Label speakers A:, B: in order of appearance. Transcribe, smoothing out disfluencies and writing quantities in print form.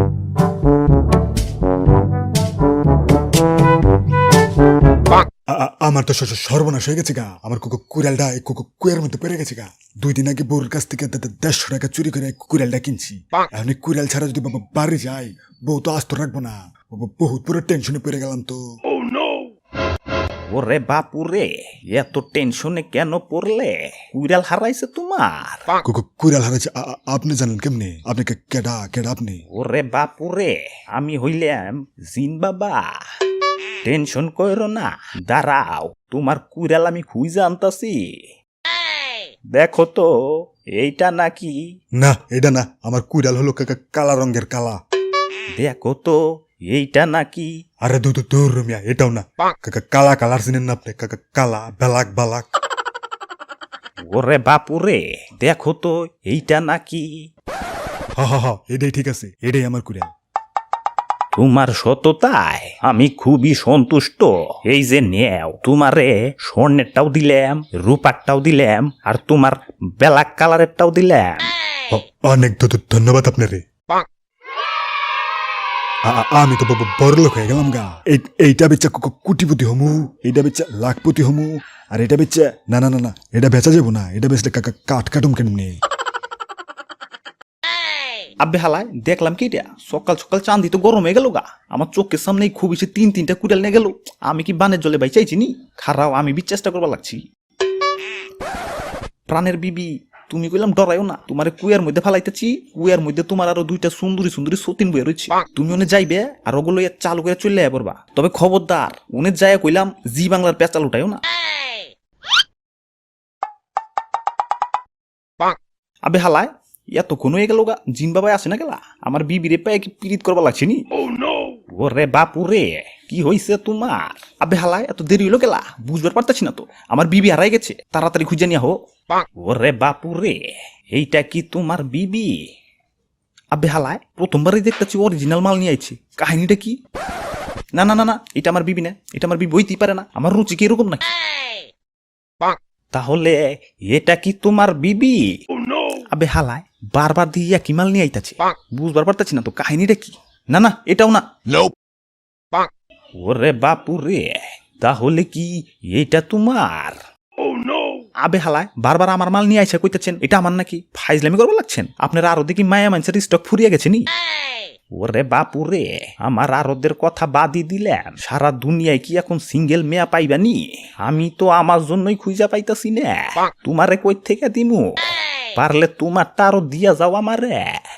A: আমার তো সর্বনাশ হয়ে গেছে গা। আমার কুড়ালটা কুয়ের মধ্যে পড়ে গেছে গা। 2 দিন আগে বউর কাছ থেকে 150 টাকা চুরি করে কুড়ালটা কিনছি। এখন কুড়াল ছাড়া যদি বাবা বাড়ি যাই, বউ তো আস্ত রাখবো না। বহুত পুরো টেনশনে পড়ে গেলাম তো।
B: ওরে বাপুরে, এত টেনশনে কেন পড়লে? কুড়াল হারাইছে তোমার?
A: কুড়াল হারাইছে আপনি জানেন কেমনে? আপনি কেডা কেডা আপনি?
B: ওরে বাপুরে, আমি হইলাম জিন বাবা। টেনশন কইরো না, দাঁড়াও, তোমার কুড়াল আমি খুঁজে আনতাছি। দেখো তো, এইটা নাকি?
A: না, এটা না। আমার কুড়াল হলো কালা রঙের কালা।
B: দেখো তো, এইটা নাকি?
A: আরে দূর রমিয়া, এটাও না। কালা কালার চিনেন না আপনি? কালা বেলাক বালাক।
B: ওরে বাপুরে, দেখো তো, এইটা নাকি?
A: হা এটাই ঠিক আছে, এটাই আমার কুড়াল।
B: তোমার সততায় আমি খুবই সন্তুষ্ট। এই যে নেও, তোমারে স্বর্ণেরটাও দিলাম, রূপারটাও দিলাম, আর তোমার ব্ল্যাক কালারেরটাও দিলাম।
A: অনেক ধন্যবাদ আপনারে। আমি তো বড় লোক হয়ে গেলাম গা। এইটা বেচা কোটিপতি হমু, এইটা বেচা লাখপতি হমু, আর এটা বেচা না না না না, এটা বেচা যাবো না। এটা বেচলে কাটুম কেমনে?
B: আব্বে হালায়, দেখলাম কি এটা সকাল সকাল চাঁদি তো গরম হয়ে গেল গা। আমার চোখের সামনেই খুব বেশি 3-3টা কুড়াল নিয়ে গেল। আমি কি বানের জলে বাই চাইছি নি? খারাও, আমি চেষ্টা করবার লাগছি। প্রাণের বিবি, তুমি কইলাম ডরাইও না, তোমার কুয়ার মধ্যে ফালাইতেছি। কুয়ার মধ্যে তোমার আরো 2টা সুন্দরী সুন্দরী সতীন বয়ে রয়েছে। তুমি ওনে যাইবে আর ওগুলো চালু করে চলে পড়বা। তবে খবরদার, ওনে যায় কইলাম জি বাংলার পেঁচাল উঠাইও না। আবে হালায়, এতক্ষণ হয়ে গেল গা, জিন বাবাই আসে না গেলা? আমার বিবিরে পায়ে কি পীড়িত করবা লাগছে নি? ওরে বাপুরে, কি হইছে তোমার? আবে হালায়, এত দেরি হইলো গেলা? বুঝবার পারতাছি না তো। আমার বিবি হারাই গেছে, তাড়াতাড়ি খুঁজে নিয়া হো। ওরে বাপুরে, এইটা কি তোমার বিবি? আবে হালায়, প্রথমবারই দেখতেছি অরিজিনাল মাল নিয়ে আইছে। কাহিনীটা কি? না না না না, এটা আমার বিবি না। এটা আমার বিবি হইতেই পারে না। আমার রুচি কি এরকম নাকি? তাহলে এটা কি তোমার বিবি? আবে হালায়, বারবার দিয়ে কি মাল নিয়ে আইতাছে, বুঝবার পারতাছি না তো। কাহিনীটা কি? না না, এটাও না। ওরে বাপুরে, তাহলে কি এটা তোমার? আবে হালায়, বারবার আমার মাল নিয়ে আইসা কইতেছেন এটা আমার নাকি? ফাইজলামি করবো লাগছেন আপনারা। আরো দেখি মায়া মানুষের স্টক ফুরিয়ে গেছে নি? ওরে বাপুরে, আমার আরোদের কথা বাদই দিলেন। সারা দুনিয়ায় কি এখন সিঙ্গেল মেয়া পাইবানি? আমি তো আমার জন্যই খুঁজা পাইতাছি না। তোমারে কই থেকে দিমু? পারলে তোমারটা আরো দিয়া যাও আমারে।